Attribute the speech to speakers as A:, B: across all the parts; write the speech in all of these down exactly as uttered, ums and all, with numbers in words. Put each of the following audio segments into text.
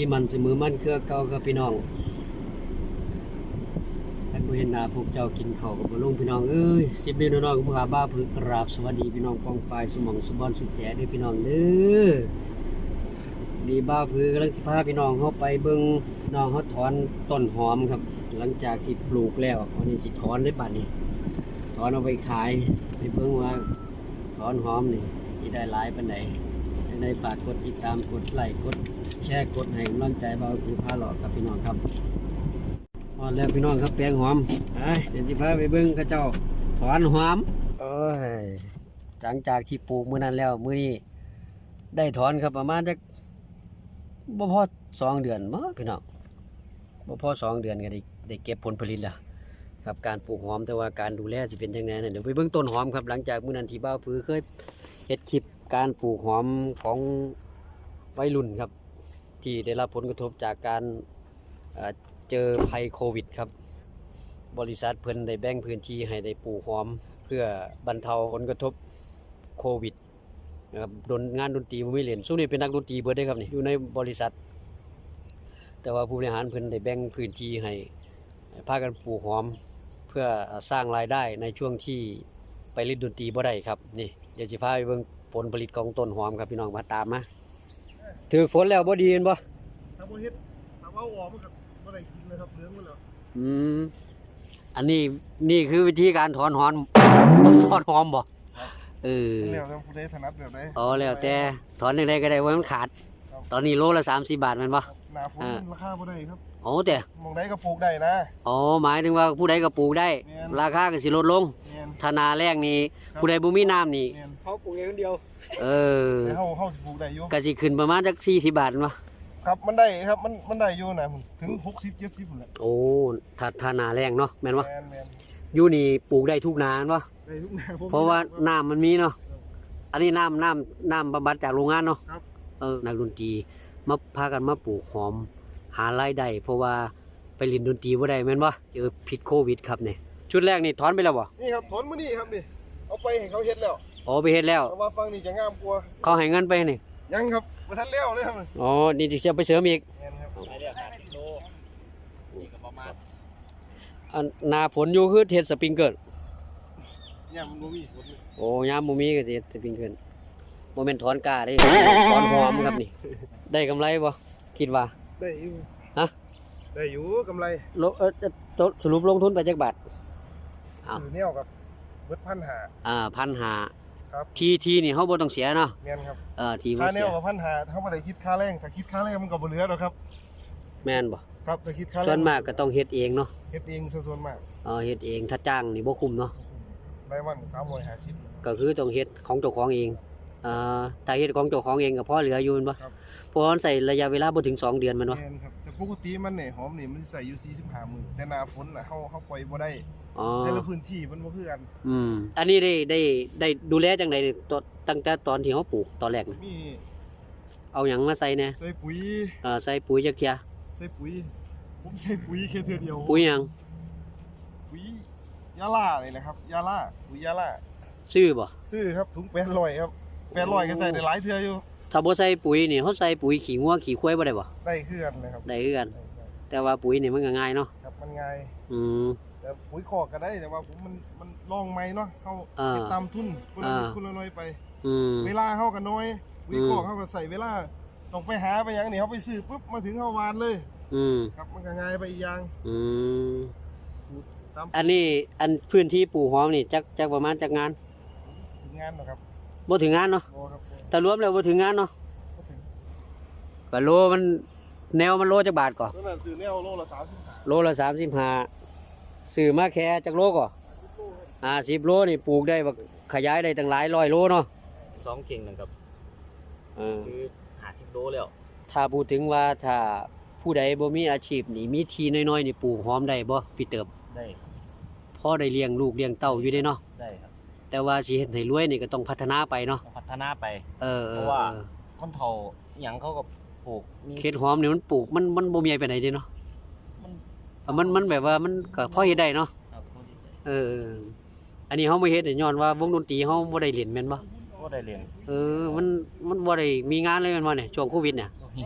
A: มันเสมอมันเครือเก่าครับพี่น้องท่านผู้เห็นหน้าพวกเจ้ากินข้าวกับบ่ลงพี่น้องเอ้ยสิบเดือนน้อยๆของข้าบ้าพึกกราบสวัสดีพี่น้องปองปายสมองสุบอนสุดแจ๋เด้อพี่น้องเด้อดีบ้าพึกกำลังสิพาพี่น้องเฮาไปเบิ่งน้องเฮาถอนต้นหอมครับหลังจากที่ปลูกแล้ววันนี้สิถอนได้บัดนี้ถอนเอาไปขายไปเบิ่งว่าถอนหอมนี่สิได้หลายปานใดจังได๋ฝากกดติดตามกดไลค์กดแชร์กดให้กำลังใจบ่าวคือพาหลอกกับพี่น้องครับพอแล้วพี่น้องครับแปลงหอมไปเดี๋ยวสิพาไปเบิ่งเขาเจ้าถอนหอมโอ้ยหลังจากที่ปลูกมื้อนั้นแล้วมื้อนี้ได้ถอนครับประมาณจักบ่พอสองเดือนมั้งพี่น้องบ่พอสองเดือนก็ได้ได้เก็บผลผลิตแล้วครับการปลูกหอมแต่ว่าการดูแลสิเป็นจังได๋นั่นเดี๋ยวไปเบิ่งต้นหอมครับหลังจากมื้อนั้นที่บ่าวผือเคยเฮ็ดคลิปการปลูกหอมของวัยรุ่นครับที่ได้รับผลกระทบจากการเจอภัยโควิดครับบริษัทเพิ่นได้แบ่งพื้นที่ให้ได้ปลูกหอมเพื่อบรรเทาผลกระทบโควิดนะครับดนงานดนตรีบ่มีเล่นซุนี้เป็นนักดนตรีเบิดได้ครับนี่อยู่ในบริษัทแต่ว่าผู้บริหารเพิ่นได้แบ่งพื้นที่ให้พากันปลูกหอมเพื่อสร้างรายได้ในช่วงที่ไปเล่นดนตรีบ่ได้ครับนี่เดี๋ยวสิพาไปเบิ่งผลผลิตของต้นหอมครับพี่น้องมาตามมาถือฝนแล้วบ่ดีเห็นบ่
B: ถ้าบ่เฮ็ดถ้าว่าออกมันก็บ่ได้กินเลยครับเหลืองหมดแล้ว
A: อืมอันนี้นี่คือวิธีการถอนหอมถอนหอมบ่เออ
B: แล้วแต่ผู้ใดถนัดแบบใด
A: อ๋อแล้วแต่ถอนจังได๋ก็ได้ว่ามันขาดตอนนี้โลละสามสิบบาทแม่นบ่
B: หน้าฝนราคาบ่ได้ครับ
A: โอ้แต่
B: มองใดก็ปลูกได้นะ
A: อ๋อหมายถึงว่าผู้ใดก็ปลูกได้ราคาก็สิลดลงถ้าหน้าแล้งนี่ผู้ใดบ่มีน้ำนี่
B: เขาปลูกเองคนเดียว
A: เออ
B: เฮาเฮาสิปลูกได้อยู่
A: ก็สิขึ้นประมาณจักสี่สิบบาทบ่
B: ครับมันได้ครับมันมันได้อยู่นะถึงหกสิบ เจ็ดสิบพุ่นแหละ
A: โอ้ถ้าถ้าหน้าแล้งเนาะแม่นบ่
B: แม่น
A: ๆอยู่นี่ปลูกได้ทุกหน้าแม่นบ่
B: ได้ทุกหน้า
A: เพราะว่าน้ำมันมีเนาะอันนี้น้ำน้ำน้ำบำบัดจากโรงงานเนาะ
B: ครับ
A: เออนักดนตรีมาพากันมาปลูกหอมหารายได้เพราะว่าไปเล่นดนตรีบ่ได้แม่นบ่เจอพิษโควิดครับนี่ชุดแรกนี่ถอนไปแล้วบ่
B: นี่ครับถอนมื้อนี้ครับนี่เอาไปให้เขาเฮ็ดแล้ว
A: อ๋อไปเฮ็ดแล้ว
B: แต่ว่าฟังนี่จะงามกว่า
A: เขาให้เงินไปนี่
B: ยังครับบ่ทันแล้วเลยครับ
A: อ๋อนี่สิไปเสริมอีก
B: แม่นครับไปเรียกห้าสิบโลนี่ก็ประมาณ
A: อันหน้าฝนอยู่คือเฮ็ดสปริงเกิล
B: ยามมันบ่มีฝน
A: โอ้ยามบ่มีก็สิเฮ็ดสปริงเกิลบ่แม่นถอนกล้าเด้ถอนหอมครับนี่ได้กำไรบ่คิดว่า
B: ได้อยู่
A: ฮะ
B: ได้อยู่กำไร
A: ลเอ่อสรุปลงทุนไปจักบาท
B: ซื้อแนวกับเบิด หนึ่งพันห้าร้อย
A: อ่า หนึ่งพันห้าร้อย
B: ครับ
A: ทีทีนี่เฮาบ่ต้องเสียเนาะ
B: แม่นครับ
A: เออทีบ่
B: เสียค่าแนวกับ
A: หนึ่ง
B: พันห้าร้อย เฮาบ่ได้คิดค่าแรงถ้าคิดค่าแรงมันก็บ่เหลือดอกครับ
A: แม่นบ่
B: ครับถ้าคิดค่าแรง
A: ส่วนมากก็ต้องเฮ็ดเองเนาะ
B: เฮ็ดเองส่วนมาก
A: เออเฮ็ดเองถ้าจ้างนี่บ่คุ้มเนาะ
B: ได้วันสามร้อยห้าสิบ
A: ก็คือต้องเฮ็ดของเจ้าของเองอ่าถ้าเฮ็ดของเจ้าของเองก็พอเหลืออยู่แม่นบ่เพราะมันใช้ระยะเวลาบ่ถึงสองเดือนแม่นบ่
B: แม่นครับแต่ปกติมันเนี่ยหอมนี่มันสิใส่อยู่สี่สิบห้ามื้อแต่หน้าฝนน่ะเฮาเฮาปล่อยบ่ได้
A: อ๋อ
B: แต่ละพื้นที่มันบ่คือกัน
A: อืมอันนี้ได้ได้ได้ดูแลจังได๋ตั้งแต่ตอนที่เฮาปลูกตอนแรกน่ะ
B: มี
A: เอาหยังมาใส่แน่
B: ใส่ปุ๋ย
A: เอ่อใส่ปุ๋ยจักเที่ย
B: ใส่ปุ๋ยผมใส่ปุ๋ยแค่เทื่อเดียว
A: ปุ๋ยหยัง
B: ปุ๋ยยาล่านี่แหละครับยาล่าปุ๋ยยาล่า
A: ซื้อบ่
B: ซื้อครับถุงแปดร้อยครับแปดร้อยก็ใส่ได้หลายเทื่ออยู่
A: ถ้าบ่ใส่ปุ๋ยนี่เฮาใส่ปุ๋ยขี้งัวขี้ควายบ่ได้บ่
B: ได้คือกันนะครับ
A: ได้คือกันแต่ว่าปุ๋ยนี่มันก็ง่ายเนาะ
B: ครับมันง่าย
A: อืม
B: แต่ปุ๋ยคอกก็ได้แต่ว่าผมมันมันลองใหม่เนาะเฮาเก็บตามทุนคนละนิดคนละน้อยไป
A: อืม
B: เวลาเฮาก็น้อยปุ๋ยคอกเฮาก็ใส่เวลาต้องไปหาไปหยังนี่เฮาไปซื้อปุ๊บมาถึงเฮาหวานเลย
A: อืม
B: ครับมันก็ง่ายไปอีกอย่าง
A: อืมอันนี้อันพื้นที่ปลูกหอมนี่จักจักประมาณจักงาน
B: ถึงงานเนาะครับ
A: บ่ถึงงานเนาะ
B: บ่ครับ
A: แต่รวมแล้วบ่ถึงงานเนาะ
B: บ่ถึง
A: ก็โลมันแนวมันโลจักบาทก่อ
B: ตอนนั้นซื้อแนวโลละสามสิบห้า
A: โลละสามสิบห้าซื้อมาแค่จักโลก่ออ่าสิบโลนี่ปลูกได้บักขยายได้ตั้งหลายร้อยโลเนาะ
C: สองเข่งนะครับ
A: เออ
C: คือห้าสิบโลแล้ว
A: ถ้าพูดถึงว่าถ้าผู้ใดบ่มีอาชีพนี่มีที่น้อยๆนี่ปลูกหอมได้บ่พี่เติบ
C: ได้
A: พอได้เลี้ยงลูกเลี้ยงเต้าอยู่ได้เนาะ
C: ได้ครับ
A: แต่ว่าสิเฮ็ดให้รวยนี่ก็ต้องพัฒนาไปเนาะ
C: พัฒนาไป
A: เออ
C: เพราะว่าคนเฒ่าหยังเขาก็ปลูก
A: เขตหอมนี่มันปลูกมันมันบ่มีไปไหนเด้เนาะมันมันแบบว่ามันก็พอเฮ็ดได้เนาะเอออันนี้เฮาบ่เฮ็ดย้อนว่าวงดนตรีเฮาบ่ได้เล่นแม่นบ่
C: บ่ได้เรียน
A: เออมันมันบ่ได้มีงานเลยแม่นบ่เนี่ยช่วงโควิดเนี่ย
C: มีงาน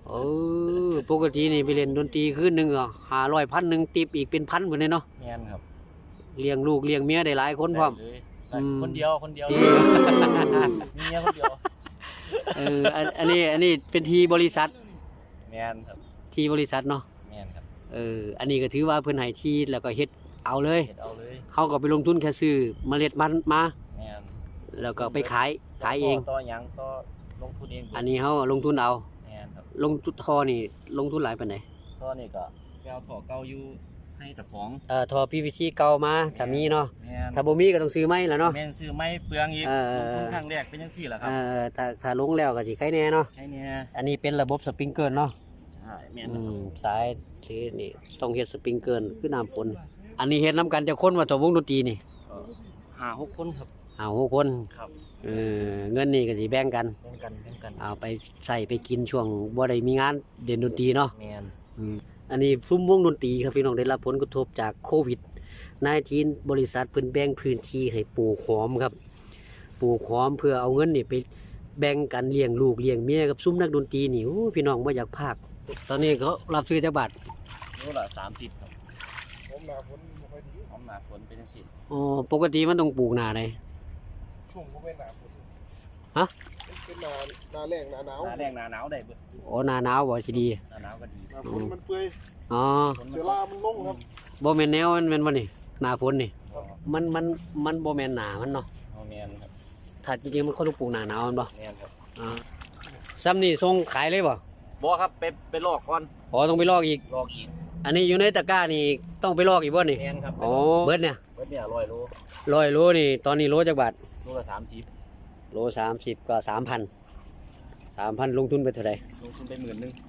A: เออปกตินี่ไปเล่นดนตรีคืนหนึงก็ห้าร้อย พันหนึงติปอีกเป็นพันพุ่นเลยเนาะ
C: แม่นครับ
A: เลี้ยงลูกเลี้ยงเมียได้หลายคนพร้อม
C: ได้เลย
A: อืม
C: คนเดียวคนเดียว
A: ที่
C: มีเมียคนเดียว
A: เอออันอันนี้อันนี้เป็นทีบริษัท
C: แม่นครับ
A: ทีบริษัทเนาะ
C: แม่นครับ
A: เอออันนี้ก็ถือว่าเพิ่นให้ที่แล้วก็เฮ็ดเอาเลย
C: เฮ็ดเอาเลย
A: เฮาก็ไปลงทุนแค่ซื้อเมล็ดมันมา
C: แม่น
A: แล้วก็ไปขายขายเอง
C: ต่อหยังต่อลงทุนเอง
A: อันนี้เฮาลงทุนเอา
C: แม่นครับ
A: ลงทุนทอนี่ลงทุนหลายปานใด
C: ต่อนี่ก็ไปเอาท่อเก่าอยู่ให้เจ้าของ
A: เอ่อทอ พี วี ซี เก่ามาถ้ามีเนาะ
C: แม่น
A: ถ้าบ่มีก็ต้องซื้อใหม่ล่ะเนาะ
C: แม่นซื้อไม้เปลืองอีก
A: เออ
C: ลงทุนครั้งแรกเป็นจังซี่แหละค
A: เอ่
C: รับ
A: อถ้าถ้าลงแล้วก็สิใครแน่เนาะ
C: ใช่เนี่ย
A: อันนี้เป็นระบบสปริงเกิลเนาะ
C: ใช่แม่น
A: อื
C: ครับ
A: มสายที่นี่ต้องเฮ็ดสปริงเกิลคือน้ำฝน อันนี้เฮ็ดนํกันจะคนว่าตัววงดนตรีนี่
C: ก็ห้าหกคนครับ
A: เอาหกคน
C: ครับ
A: เออเงินนี่ก็สิแบ่งกัน
C: แบ่งกันแบ่งกัน
A: เอาไปใส่ไปกินช่วงบ่ได้มีงานเด่นดนตรีเนาะ
C: แม่น
A: อืมอันนี้ซุ้มวงดนตรีครับพี่น้องได้รับผลกระทบจากโควิดสิบเก้า บริษัทเพิ่นแบ่งพื้นที่ให้ปลูกหอมครับปลูกหอมเพื่อเอาเงินนี่ไปแบ่งกันเลี้ยงลูกเลี้ยงเมียกับซุ้มนักดนตรีนี่โอ้พี่น้องบ่อยากพากตอนนี้เขารับซื้อจักบาท
C: โลละสามสิบครับ
B: ผมหนาฝนบ่ค่อยดี
C: หอมหนาฝนเป็นจังซี่
A: อ๋อปกติมันต้องปลูกหน้าใด
B: ช่วงบ่เป็นหนาฝน
A: ฮะ
B: เป็นหนาหนาแรงหนาหนาว
C: หน้าแรงหน้าหนาวได้เบิด
A: อ๋อหน้าหนาวบ่สิดี
C: หน้าหนาวก็ดี
B: หนาฝนมันเปื่อย
A: อ๋อ
C: ฝน
B: เชื้อรามันลงครับ
A: บ่แม่นแนวมันแม่นบ่นี่หน้าฝนนี่
C: อ๋อ
A: มันมันมันบ่แม่นหน้ามันเนาะ
C: เอาแม่นครับ
A: ถ้าจริงๆมันเขาต้องปลูกหน้าหนาวแมันบ่
C: แม่นครับ
A: อ่าซ้ำนี่ส่งขายเลยบ่
C: บ่ครับไปไปลอกก่อน
A: อ๋อต้องไปลอกอีก
C: ลอกอีก
A: อันนี้อยู่ในตะกร้านี่ต้องไปลอกอีกบ่นี่
C: แม่นครับ
A: อ๋อเบิดเนี่ย
C: เบิดเนี่ยร้อยโล
A: ร้อยโลนี่ตอนนี้โลจักบาท
C: โลละสามสิบ
A: โลสามสิบก็สามพันสามพันลงทุนไปเท่าไหร่
C: ลงทุนไปหมื่นหนึง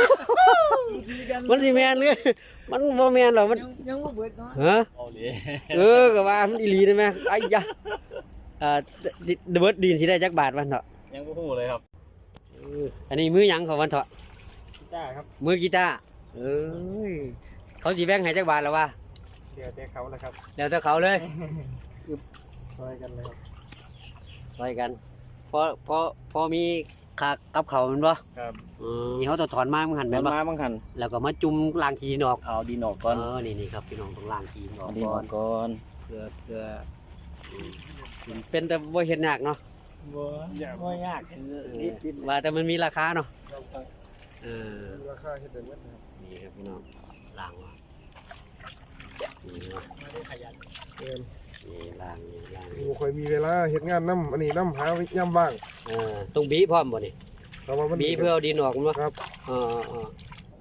A: มันสิแมนเลยมันบ่แมนหรอกมัน
C: ยังบ่เบิดเนาะ
A: ฮะ
C: เอาเลย
A: เออก็ว่ามันอีหลีได้ไหมไอ้ยะอ่าเบิดดินสิได้จักบาทวันเถาะ
C: ยังบ่ฮู้เลยครับ
A: เอออันนี้มือหยังของวันเถาะ
C: จ้าครับ
A: มือกีตาร์เอ้ยเขาสิแบ่งให้จักบาทแล้ววะ
C: เดี๋ยวแต่เขาแล้วครับ
A: แล้วแต่เขาเลย
C: ช่วยกันเลยครับ
A: ช่วยกันพอพอพอมีค่ากับเขาวแมันบ่
C: ครับ
A: อืมนี่เขาต้องถอนมามึงหัน
C: แม่
A: แม่นบ่
C: มาบางคัน
A: แล้วก็มาจุ่มล้างขี้นออก
C: เอาดินออกก่อน
A: เออนี่นี่ครับพี่น้องต้องล้างขี้นอ
C: เอา
A: อก
C: ดิน
A: ก่
C: อ
A: อ
C: อน กก่อน
A: เพื่อเพื่ออืมเป็นแต่บ่เฮ็ดยากเนาะ
C: บ่บ่ยากรีบกิน
A: ว่าแต่มันมีราคาเนาะเออ
B: มีราคาเฮ็ดได้หมดนะครับ
A: นี่ครับพี่น้องล้างว่ะนี่ว่ะ
C: ไม่ได้ขยัน
B: แม่น
A: นี่ล้างนี่ล้าง
B: บ่ค่อยมีเวลาเฮ็ดงานนำอันนี้นำหายามว่าง
A: เออต้องบีพร้อมบ่นี่
B: แต่ว่ามัน
A: บีเพื่อเอาดินออกมั้ย
B: ครับ
A: เออเออ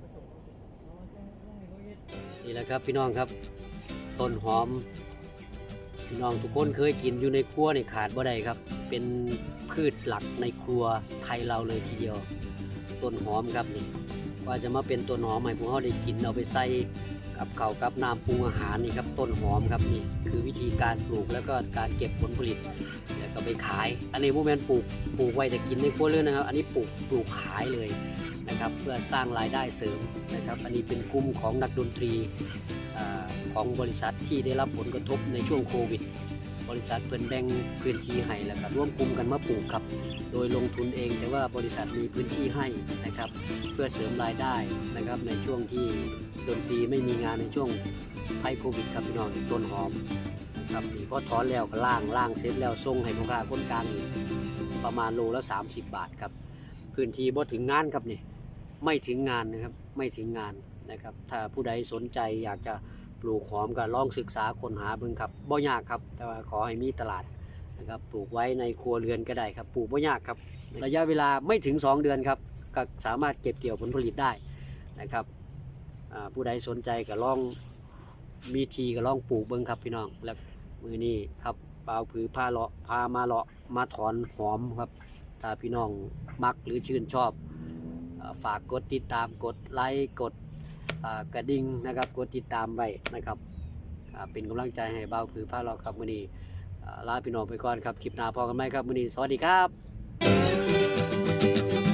A: นี่แหละครับพี่น้องครับ ต้นหอม พี่น้องทุกคนเคยกินอยู่ในครัวนี่ขาดบ่ได้ครับ เป็นพืชหลักในครัวไทยเราเลยทีเดียว ต้นหอมครับนี่ว่าจะมาเป็นต้นหอมให้พวกเราได้กินเอาไปใส่กับข้าวกับน้ำปรุงอาหารนี่ครับต้นหอมครับนี่คือวิธีการปลูกแล้วก็การเก็บผลผลิตแล้วก็ไปขาย อันนี้พวกแมนปลูกปลูกไว้จะกินในครัวเรือนนะครับ อันนี้ปลูกปลูกขายเลยนะครับ เพื่อสร้างรายได้เสริมนะครับ อันนี้เป็นกลุ่มของนักดนตรีอ่าของบริษัทที่ได้รับผลกระทบในช่วงโควิด บริษัทเพิ่นแบ่งพื้นที่ให้แล้วก็ร่วมกลุ่มกันมาปลูกครับ โดยลงทุนเองแต่ว่าบริษัทมีพื้นที่ให้นะครับ เพื่อเสริมรายได้นะครับในช่วงที่ดนตรีไม่มีงานในช่วงภัยโควิดครับพี่น้องต้นหอมนะครับนี่พอถอนแล้วก็ล่างล่างเสร็จแล้วส่งให้พ่อค้าคนกลางนี่ประมาณโลละสามสิบบาทครับพื้นที่บ่ถึงงานครับนี่ไม่ถึงงานนะครับไม่ถึงงานนะครับถ้าผู้ใดสนใจอยากจะปลูกหอมก็ลองศึกษาค้นหาเบิ่งครับบ่ยากครับแต่ว่าขอให้มีตลาดนะครับปลูกไว้ในครัวเรือนก็ได้ครับปลูกบ่ยากครับระยะเวลาไม่ถึงสองเดือนครับก็สามารถเก็บเกี่ยวผลผลิตได้นะครับอ่าผู้ใดสนใจก็ลองมีทีก็ลองปลูกเบิ่งครับพี่น้องแล้วมือนี้ครับเปล่าผือพาเลาะพามาเลาะมาถอนหอมครับถ้าพี่น้องมักหรือชื่นชอบอ่าฝากกดติดตามกดไลค์กดอ่ากระดิ่งนะครับกดติดตามไว้นะครับอ่าเป็นกำลังใจให้เบาผือพาเลาะครับมือนี้อ่าลาพี่น้องไปก่อนครับคลิปหน้าพอกันไหมครับมือนี้สวัสดีครับ